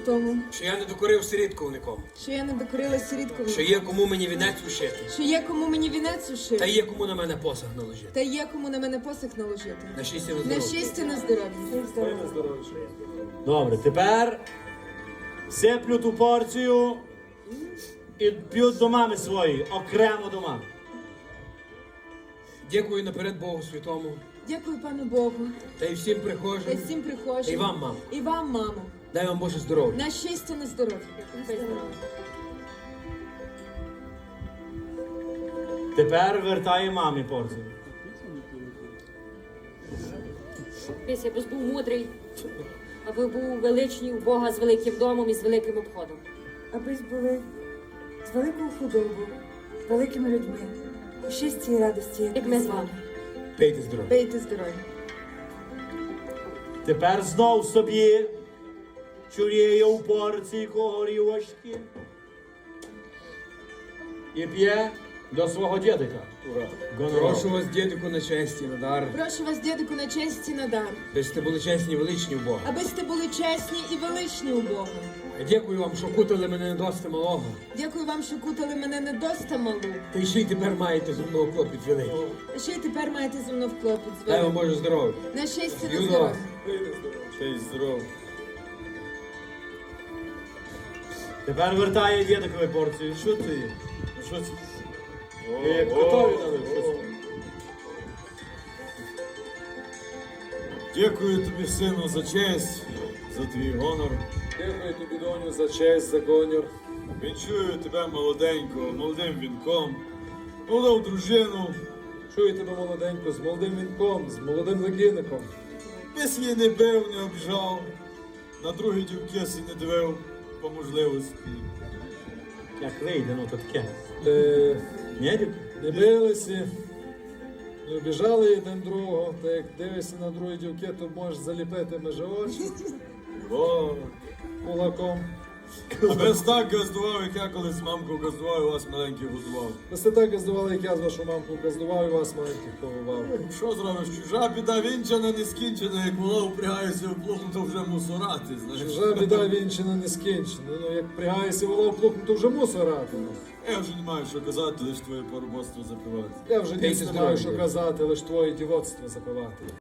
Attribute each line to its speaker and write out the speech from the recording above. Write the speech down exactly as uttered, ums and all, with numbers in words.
Speaker 1: тому,
Speaker 2: що я не докорив сирітковником,
Speaker 1: що я не докорила сиріткові,
Speaker 2: що є кому мені вінець ушити,
Speaker 1: що є кому мені вінець
Speaker 2: та
Speaker 1: ушити,
Speaker 2: є кому на мене посаг наложити.
Speaker 1: та є кому на мене посох наложити.
Speaker 2: На щастя, на
Speaker 1: На
Speaker 2: здоров'я.
Speaker 1: щастя, на здоров'я.
Speaker 3: Добре, тепер сиплють у порцію і п'ють до мами своєї, окремо до мами.
Speaker 2: Дякую наперед Богу Святому,
Speaker 1: Дякую пану Богу,
Speaker 2: та й всім
Speaker 1: та
Speaker 2: прихожим.
Speaker 1: всім прихожим.
Speaker 2: І вам, мамо.
Speaker 1: І вам, мамо.
Speaker 2: Дай вам Боже здоров'я.
Speaker 1: На щастя, на здоров'я.
Speaker 3: Тепер вертай мамі порцію.
Speaker 4: Десь я був мудрий, аби був величний у Бога з великим домом і з великим обходом.
Speaker 5: Аби були з великою худобою, з великими людьми, у щасті і радості,
Speaker 4: Як ми з вами.
Speaker 2: Пейте здоров'я.
Speaker 1: Пейте здоров'я.
Speaker 3: Тепер знов собі чуріє у порції горівочки і п'є до свого дідика.
Speaker 2: Прошу вас, дідику, на честі, на дар.
Speaker 1: Прошу вас, дідику, на честь і на дар,
Speaker 2: Ви сте були чесні і величні у Бога.
Speaker 1: аби сте були чесні і величні у Бога.
Speaker 2: А дякую вам, що кутали мене не досить малого.
Speaker 1: Дякую вам, що кутали мене не доста малу.
Speaker 2: Та й ще й тепер маєте зі мною клопіт великий.
Speaker 1: А ще й тепер маєте зі мною вклопіт з
Speaker 2: Дай вам
Speaker 1: вами.
Speaker 2: Боже здоров'я.
Speaker 1: На щастя, на
Speaker 2: Юдо.
Speaker 1: здоров'я.
Speaker 2: Честь здоров'я.
Speaker 3: Тепер вертає дідикові порцію. Що ти? є? Ну, Що це? Як готові налив? Що це?
Speaker 6: Дякую тобі, сину, за честь, за твій гонор.
Speaker 7: Дякую тобі, доню, за честь, за гонор.
Speaker 6: Вінчую тебе молоденького, молодим вінком, молодив дружину.
Speaker 7: Чую тебе молоденько, з молодим вінком, з молодим легінником.
Speaker 6: Без її не бив, не обжав, на другі дівки сі не дивив по можливості.
Speaker 3: Як вийде, ну то таке.
Speaker 7: Е,
Speaker 3: Ні, дід?
Speaker 7: не билися, не обіжали один другого, та як дивишся на другі дівки, то можеш заліпити межі очі
Speaker 6: О,
Speaker 7: кулаком.
Speaker 6: а без так газдував, як я колись з мамкою газдував, і вас маленький годував.
Speaker 7: Ви сте так газдували, як я з вашу мамку газдував і вас маленьких повивав.
Speaker 6: Що зробиш? Чужа біда вінчана, не скінчена, як вола упрягається в плуг, то вже мусорати, знаєш.
Speaker 7: Чужа біда вінчина не скінчена. Ну, як прягаєшся вола в плуг, то вже мусорати.
Speaker 6: Я вже не маю що казати, лише твоє поробоцтво запивати.
Speaker 7: Я вже
Speaker 2: Пейте
Speaker 7: дійсно не маю
Speaker 2: здоров'я.
Speaker 7: що казати, лише твоє дівоцтво запивати.